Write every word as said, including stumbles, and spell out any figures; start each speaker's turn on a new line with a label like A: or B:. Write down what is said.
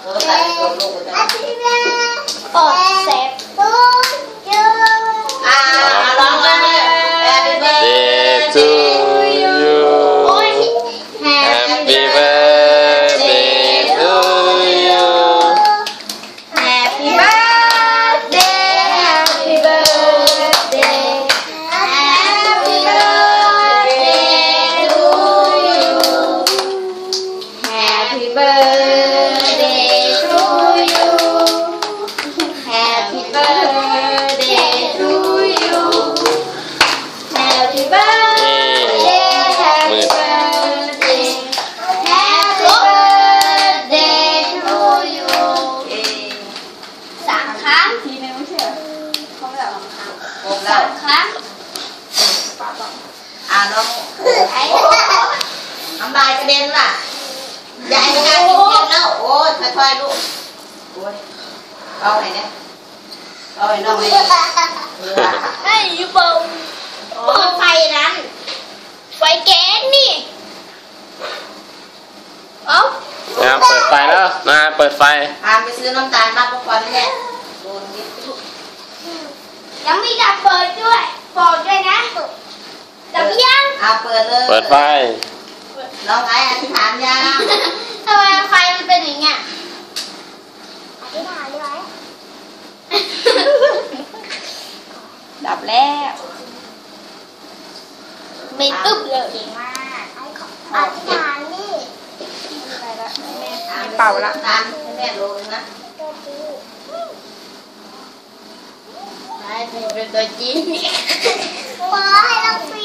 A: โอ้เซฟอ่าร้องมาเลย Happy birthday to you Happy birthday to you Happy birthday Happy birthday Happy birthday to you Happy birthday to you Happy birthday to you Happy birthday Happy birthday Happy birthday to you สามครั้งทีนึงไม่ใช่เหรอเขาไม่แบบสามครั้งอ่าน้องไอ้น้ำลายกระเด็นว่ะใหญ่ไม่กล้ากินเยอะแล้วโอ้ยค่อยๆลูกโอ้ยเอาไหนเนี่ยเอาไหนน้องเลยไอ้ยูเปิลเปิดไฟนั้นไฟแก๊สนี่เอ้า
B: นะเปิดไฟแล้วนะเปิดไฟ
A: พาไปซื้อน้ำตาลมาประกอบเนี่ยโดนนิดยังมีดับเปิดด้วยบอกด้วยนะดับยังอ่ะเปิดเลย
B: เปิดไฟ
A: น้องไอ้อธิษฐานยังทำไมไฟมันเป็นอย่างเงี้ยอธิษฐานเลยไหมดับแล้วไม่ตึ๊บเลยเก่งมากอธิษฐานนี่เป่าละตามให้แม่รู้นะให้เป็นตัวจริงขอให้เราปี